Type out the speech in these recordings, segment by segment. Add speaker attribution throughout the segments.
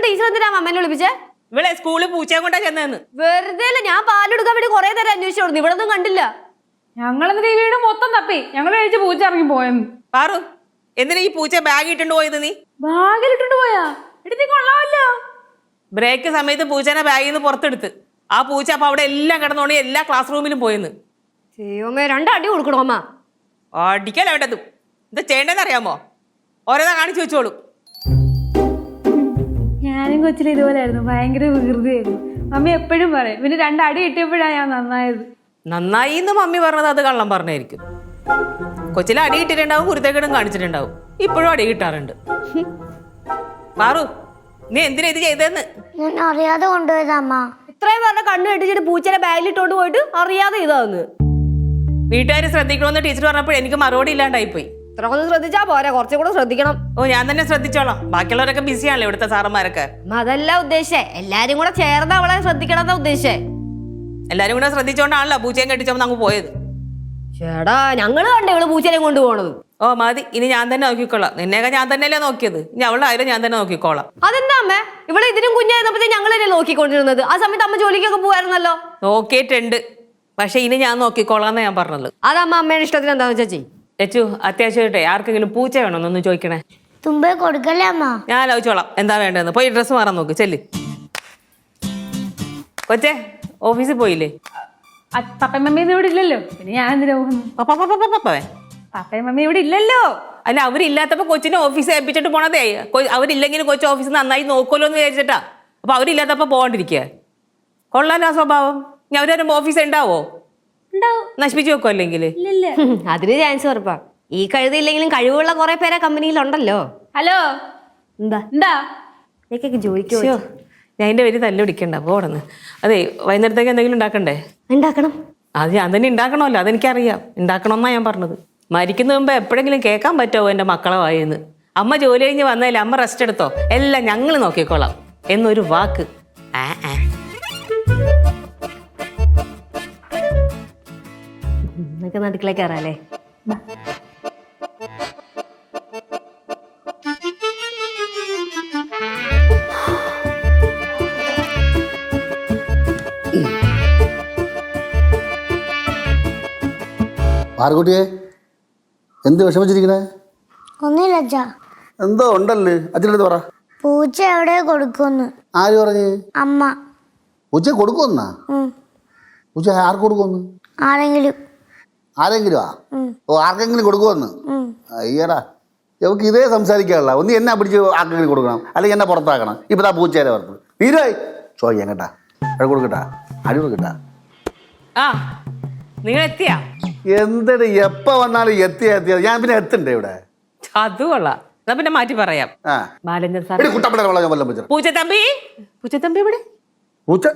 Speaker 1: Teacher എന്തിനാ അമ്മേനെ വിളിപ്പിച്ചേ?
Speaker 2: ഇവിടെ സ്കൂളിൽ പൂച്ചയെ കൊണ്ടാ ചെന്നു.
Speaker 1: വെറുതെ അല്ല, ഞാൻ പാലെടുക്കാൻ വേണ്ടി കുറെ നേരം അന്വേഷിച്ചു, ഇവിടെ ഒന്നും കണ്ടില്ല.
Speaker 3: ഞങ്ങളെന്തിനാ ഈ വീട് മൊത്തം തപ്പി, ഞങ്ങൾ കഴിച്ച് പൂച്ച ഇറങ്ങി പോയെന്ന്.
Speaker 2: പാറു, എന്തിനാ ഈ പൂച്ച ബാഗ് ഇട്ടുകൊണ്ട് പോയത്? നീ
Speaker 3: ബാഗിലിട്ടുണ്ട് പോയാ? എടുത്തി കൊള്ളാമല്ലോ.
Speaker 2: ബ്രേക്ക് സമയത്ത് പൂച്ചനെ ബാഗിൽ നിന്ന് പുറത്തെടുത്ത് ആ പൂച്ച അപ്പൊ അവിടെ എല്ലാം കിടന്നോണ്ട് എല്ലാ ക്ലാസ് റൂമിലും പോയെന്ന്.
Speaker 1: ചെയ്യോമ്മേ, 2 അടി കൊടുക്കണോ അമ്മ?
Speaker 2: അടിക്കല വേണ്ടത്. എന്താ ചെയ്യേണ്ടതെന്ന് അറിയാമോ? ഓരോന്നാ കാണിച്ചു വെച്ചോളൂ.
Speaker 3: ഞാനും കൊച്ചിൽ ഇതുപോലെയായിരുന്നു, ഭയങ്കര വികൃതിയായിരുന്നു. മമ്മി എപ്പോഴും പറയും, പിന്നെ 2 അടി കിട്ടിയപ്പോഴാണ് ഞാൻ നന്നായത്.
Speaker 2: നന്നായി എന്ന് മമ്മി പറഞ്ഞത് അത് കള്ളം പറഞ്ഞായിരിക്കും. കൊച്ചിലെ അടി കിട്ടിയിട്ടുണ്ടാവും, കുരുത്തേക്കിടും കാണിച്ചിട്ടുണ്ടാവും. ഇപ്പോഴും അടി കിട്ടാറുണ്ട്. പാറു, നീ എന്തിനാ ഇത് ചെയ്തെന്ന്?
Speaker 4: ഞാൻ അറിയാതെ കൊണ്ടുപോയതമ്മ.
Speaker 1: ഇത്രയും പറഞ്ഞ കണ്ണു കെട്ടിച്ചിട്ട് പൂച്ചനെ ബാഗിലിട്ടോണ്ട് പോയിട്ട് അറിയാതെ ഇതാന്ന്.
Speaker 2: വീട്ടുകാർ ശ്രദ്ധിക്കണമെന്ന് ടീച്ചർ പറഞ്ഞപ്പോൾ എനിക്ക് മറുപടി ഇല്ലാണ്ടായിപ്പോയി.
Speaker 1: ഇത്ര ഒന്ന് ശ്രദ്ധിച്ചാ പോരാ, കുറച്ചും കൂടെ ശ്രദ്ധിക്കണം.
Speaker 2: ഓ, ഞാൻ തന്നെ ശ്രദ്ധിച്ചോളാം. ബാക്കിയുള്ളവരൊക്കെ ബിസിയാണല്ലോ ഇവിടുത്തെ സാറന്മാരൊക്കെ.
Speaker 1: അതല്ല ഉദ്ദേശിച്ചേ, എല്ലാരും കൂടെ ചേർന്ന് അവളെ ശ്രദ്ധിക്കണം ഉദ്ദേശിച്ചേ.
Speaker 2: എല്ലാരും കൂടെ ശ്രദ്ധിച്ചോണ്ടാണല്ലോ പൂച്ചയും കെട്ടിച്ചോന്ന് അങ്ങ് പോയത്.
Speaker 1: ചേടാ, ഞങ്ങള് കണ്ടേ ഇവള് പൂച്ചനെ കൊണ്ടുപോകണത്.
Speaker 2: ഓ മതി, ഇനി ഞാൻ തന്നെ നോക്കിക്കോളാം. നിന്നെയൊക്കെ ഞാൻ തന്നെയല്ലേ നോക്കിയത്, ഇനി അവളുടെ ആയാലും ഞാൻ തന്നെ നോക്കിക്കോളാം.
Speaker 1: അതെന്താ അമ്മേ, ഇവിടെ ഇതിനും കുഞ്ഞായിരുന്നപ്പോ ഞങ്ങളല്ലേ നോക്കിക്കൊണ്ടിരുന്നത്? ആ സമയത്ത് അമ്മ ജോലിക്കൊക്കെ പോവായിരുന്നല്ലോ.
Speaker 2: നോക്കിയിട്ടുണ്ട്, പക്ഷെ ഇനി ഞാൻ നോക്കിക്കോളാന്ന് ഞാൻ പറഞ്ഞത്.
Speaker 1: അതമ്മ അമ്മയുടെ ഇഷ്ടത്തിന് എന്താന്ന് വെച്ചാ ചെയ്യും.
Speaker 2: ലച്ചു, അത്യാവശ്യമായിട്ടെ ആർക്കെങ്കിലും പൂച്ച വേണമെന്നൊന്ന് ചോദിക്കണേ.
Speaker 4: തുമ്പെ കൊടുക്കല്ലേ അമ്മ?
Speaker 2: ഞാൻ ആലോചിച്ചോളാം എന്താ വേണ്ടതെന്ന്. പോയി ഡ്രസ്സ് മാറാൻ നോക്ക്, ചെല്ല്. കൊച്ചേ, ഓഫീസിൽ പോയില്ലേ?
Speaker 3: പപ്പയും മമ്മിയും ഇവിടെ ഇല്ലല്ലോ, പിന്നെ ഞാൻ എന്തിനാ പോകുന്നു? പപ്പയും മമ്മി ഇവിടെ ഇല്ലല്ലോ.
Speaker 2: അല്ല, അവരില്ലാത്തപ്പോ കൊച്ചിനെ ഓഫീസിൽ ഏൽപ്പിച്ചിട്ട് പോണതേ. അവരില്ലെങ്കിലും കൊച്ചു ഓഫീസ് നന്നായി നോക്കുമല്ലോ എന്ന് വിചാരിച്ചിട്ടാ. അപ്പൊ അവരില്ലാത്തപ്പോ പോകാണ്ടിരിക്കുക കൊള്ളാലോ ആ സ്വഭാവം. ഞാൻ അവരൊരു ഓഫീസ് ഉണ്ടാവോ? നശിപ്പിച്ചു വെക്കോ അല്ലെങ്കിൽ?
Speaker 1: അതിന് ചാൻസ് ഉറപ്പാ. ഈ കഴുതിയില്ലെങ്കിലും കഴിവുള്ള കുറെ പേരെ കമ്പനിയിലുണ്ടല്ലോ.
Speaker 3: ഹലോ,
Speaker 1: എന്താ
Speaker 3: എന്താ
Speaker 1: എനിക്കൊക്കെ ജോലിക്കോ?
Speaker 2: ഞാൻ എൻ്റെ പേര് തല്ല് പിടിക്കണ്ട, പോടന്ന്. അതെ, വൈകുന്നേരത്തേക്ക് എന്തെങ്കിലും ഉണ്ടാക്കണ്ടേ?
Speaker 1: ഉണ്ടാക്കണം.
Speaker 2: അത് ഞാൻ തന്നെ ഉണ്ടാക്കണമല്ലോ, അതെനിക്കറിയാം. ഉണ്ടാക്കണമെന്നാ ഞാൻ പറഞ്ഞത്. മരിക്കുന്ന മുമ്പ് എപ്പോഴെങ്കിലും കേൾക്കാൻ പറ്റുമോ എൻ്റെ മക്കളെ വായെന്ന്? അമ്മ ജോലി കഴിഞ്ഞ് വന്നതിൽ അമ്മ റെസ്റ്റ് എടുത്തോ, എല്ലാം ഞങ്ങൾ നോക്കിക്കോളാം എന്നൊരു വാക്ക്.
Speaker 1: എന്നൊക്കെ നടുക്കളേക്ക് കയറാല്ലേ?
Speaker 5: ആർക്കുട്ടിയെ എന്ത് വിഷമിച്ചിരിക്കണേ?
Speaker 4: ഒന്നുമില്ല അച്ഛാ.
Speaker 5: എന്തോ ഉണ്ടല്ലേ, അച്ഛനടുത്ത് പറ.
Speaker 4: പൂച്ച എവിടെ കൊടുക്കുമെന്ന്.
Speaker 5: ആര് പറഞ്ഞ്?
Speaker 4: അമ്മ.
Speaker 5: പൂച്ച കൊടുക്കുമെന്നാ? പൂച്ച ആർക്ക് കൊടുക്കുമെന്ന്?
Speaker 4: ആരെങ്കിലും.
Speaker 5: ആരെങ്കിലും? ഓ, ആർക്കെങ്കിലും കൊടുക്കുമെന്ന്? അയ്യടാ, നമുക്ക് ഇതേ സംസാരിക്കാനുള്ള. ഒന്ന് എന്നെ പിടിച്ച് ആർക്കെങ്കിലും കൊടുക്കണം, അല്ലെങ്കിൽ എന്നെ പുറത്താക്കണം. ഇപ്പം ആ പൂച്ചേരെ പുറത്ത് തീരായി ചോദിക്കാം കേട്ടാ. അവിടെ കൊടുക്കട്ടാ, അടി കൊടുക്കട്ടാ.
Speaker 2: ആ, നിങ്ങൾ എത്തിയാ?
Speaker 5: എന്തിട്ട് എപ്പ വന്നാലും എത്തിയാ ഞാൻ പിന്നെ എത്തണ്ടേ ഇവിടെ?
Speaker 2: അത് കൊള്ളാം. എന്നാ പിന്നെ മാറ്റി പറയാം. ബാലചന്ദ്രൻ സാർ. പൂച്ചത്തമ്പി, പൂച്ചത്തമ്പി എവിടെ?
Speaker 5: പൂച്ച?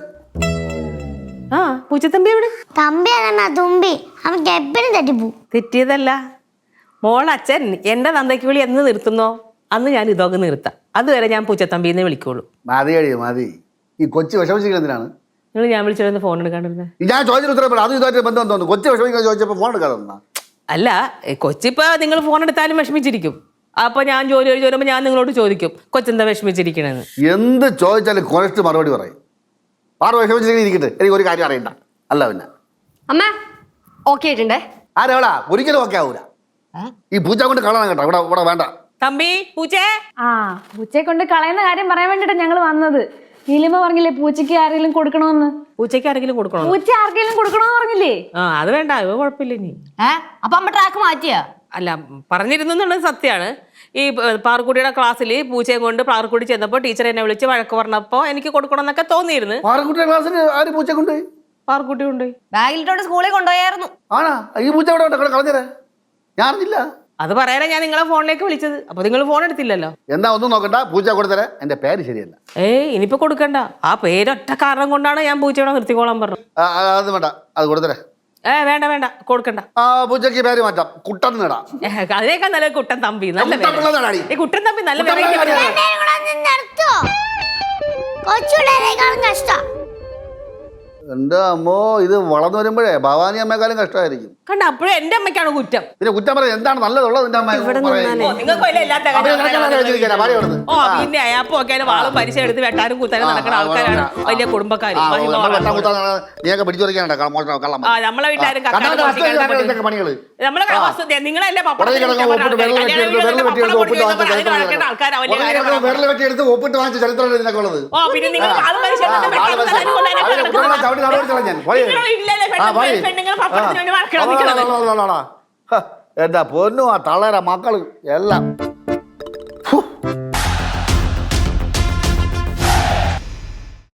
Speaker 2: ആ, പൂച്ചത്തമ്പി എവിടെ?
Speaker 4: തമ്പിയാണ തുമ്പി. അവർക്ക് എപ്പോഴും തെറ്റിപ്പോ.
Speaker 2: തെറ്റിയതല്ല മോളച്ഛൻ എന്റെ തന്തയ്ക്ക് വിളി എന്ന് നിർത്തുന്നോ അന്ന് ഞാൻ ഇതൊക്കെ നിർത്താം. അതുവരെ ഞാൻ പൂച്ചത്തമ്പിന്ന് വിളിക്കുള്ളൂ.
Speaker 5: മതി അടി മതി. ഈ കൊച്ചു വിഷമിച്ചിരിക്കുന്നതിനാണ്
Speaker 2: നിങ്ങൾ ഞാൻ വിളിച്ചിരുന്ന ഫോൺ എടുക്കാണ്ടിരുന്നത്?
Speaker 5: ഞാൻ ചോദിച്ചിട്ട് ഉത്തരപ്പെടാം. അത് ഇതായിട്ട് ബന്ധം തോന്നുന്നു. കൊച്ചു വിഷമിക്കാൻ ചോദിച്ചപ്പോൾ ഫോൺ എടുക്കാതെ.
Speaker 2: അല്ല, കൊച്ചിപ്പോ നിങ്ങൾ ഫോൺ എടുത്താലും വിഷമിച്ചിരിക്കും. അപ്പൊ ഞാൻ ജോലി കഴിഞ്ഞ് വരുമ്പോൾ ഞാൻ നിങ്ങളോട് ചോദിക്കും കൊച്ചെന്താ വിഷമിച്ചിരിക്കണെന്ന്.
Speaker 5: എന്ത് ചോദിച്ചാലും കുറച്ച് മറുപടി പറയും. ആറ് വിഷമിച്ചിരിക്കണേ ഇരിക്കട്ടെ, എനിക്ക് ഒരു കാര്യം അറിയണ്ട. അല്ല പിന്നെ
Speaker 1: അമ്മ ഓക്കെ ആയിട്ടുണ്ടേ.
Speaker 5: ആരെവിടാ? ഒരിക്കലും ഓക്കെ ആവൂല. ഈ പൂച്ച കൊണ്ട് കളയണം കേട്ടോ. ഇവിടെ ഇവിടെ വേണ്ട.
Speaker 2: തമ്പി, പൂച്ചേ.
Speaker 3: പൂച്ചയെ കൊണ്ട് കളയുന്ന കാര്യം പറയാൻ വേണ്ടിട്ടാ ഞങ്ങൾ വന്നത്. നീലിമ പറഞ്ഞില്ലേ പൂച്ചയ്ക്ക് ആരെങ്കിലും കൊടുക്കണമെന്ന്?
Speaker 2: പൂച്ചയ്ക്ക് ആരെങ്കിലും കൊടുക്കണോ?
Speaker 3: പൂച്ച ആർക്കെങ്കിലും കൊടുക്കണമെന്ന് പറഞ്ഞില്ലേ?
Speaker 2: അത് വേണ്ട, അത് കുഴപ്പമില്ല. ഇനി
Speaker 1: അപ്പൊ അമ്മ ട്രാക്ക് മാറ്റിയാ?
Speaker 2: അല്ല, പറഞ്ഞിരുന്നു എന്നുള്ളത് സത്യമാണ്. ഈ പാറക്കുട്ടിയുടെ ക്ലാസ്സിൽ പൂച്ചയെ കൊണ്ട് പാറക്കുട്ടി ചെന്നപ്പോൾ ടീച്ചർ എന്നെ വിളിച്ച് വഴക്ക് പറഞ്ഞപ്പോൾ എനിക്ക് കൊടുക്കണം എന്നൊക്കെ തോന്നിയിരുന്നു.
Speaker 5: പാറക്കുട്ടിയുടെ ക്ലാസ്സിന് ആര് പൂച്ച കൊണ്ടുപോയി?
Speaker 2: പാറക്കുട്ടി കൊണ്ടുപോയി.
Speaker 1: ബാഗിലിട്ടോണ്ട് സ്കൂളിൽ കൊണ്ടുപോയായിരുന്നു.
Speaker 5: ആണാ? ഈ പൂച്ച ഇവിടെ കളഞ്ഞേരാ? ഞാൻ അറിഞ്ഞില്ല.
Speaker 2: അത് പറയാനാ ഞാൻ നിങ്ങളെ ഫോണിലേക്ക് വിളിച്ചത്. അപ്പൊ നിങ്ങൾ ഫോൺ എടുത്തില്ലല്ലോ.
Speaker 5: എന്നാ ഒന്നും നോക്കണ്ട, പൂച്ച കൊടുത്തരാ. എന്റെ പേര് ശരിയല്ല.
Speaker 2: ഇനിയിപ്പോ കൊടുക്കണ്ട. ആ പേരൊറ്റ കാരണം കൊണ്ടാണ് ഞാൻ പൂച്ചയോടെ നിർത്തിക്കോളാൻ പറഞ്ഞത്.
Speaker 5: അത് വേണ്ട, അത് കൊടുത്തരാ.
Speaker 2: വേണ്ട വേണ്ട, കൊടുക്കണ്ട.
Speaker 5: ആ പൂച്ചക്ക് പേര് മാറ്റാം, കുട്ടൻ നേടാ.
Speaker 2: അതിനേക്കാൾ നല്ല കുട്ടൻ തമ്പി. നല്ല കുട്ടൻ തമ്പി നല്ല
Speaker 4: കഷ്ടം.
Speaker 5: എന്റെ അമ്മോ, ഇത് വളർന്നു വരുമ്പോഴേ ഭവാനി അമ്മയെക്കാളും കഷ്ടമായിരിക്കും.
Speaker 2: കണ്ട അപ്പോഴും എന്റെ അമ്മയ്ക്കാണ് കുറ്റം.
Speaker 5: പിന്നെ കുറ്റം പറയാം എന്താണ് നല്ലതുള്ളത് നിന്റെ അമ്മ
Speaker 2: നിങ്ങൾക്ക് വല്ല ഇല്ലാത്ത കാര്യം. ഓ പിന്നെ അപ്പൊ ഒക്കെ വാളും പരിശ എടുത്ത് വെട്ടാനും കുത്താനും നടക്കുന്ന ആൾക്കാരാണ് വലിയ കുടുംബക്കാര്.
Speaker 5: നീയൊക്കെ പിടിച്ചുറിക്കാനുണ്ടോ കള്ളം?
Speaker 2: ആ നമ്മളെ വീട്ടുകാരും
Speaker 5: പണികള്
Speaker 2: നമ്മളെ നിങ്ങളല്ലേ
Speaker 5: വിരൽ വെട്ടിയെടുത്ത് ഒപ്പിട്ട് വാങ്ങിച്ച ചരിത്രം ഇതിനൊക്കെയുള്ളത്.
Speaker 2: ഓ പിന്നെ നിങ്ങൾ വാളും പരിശ എടുത്ത്
Speaker 5: എന്താ പൊന്നു ആ തളര മക്കള് എല്ലാം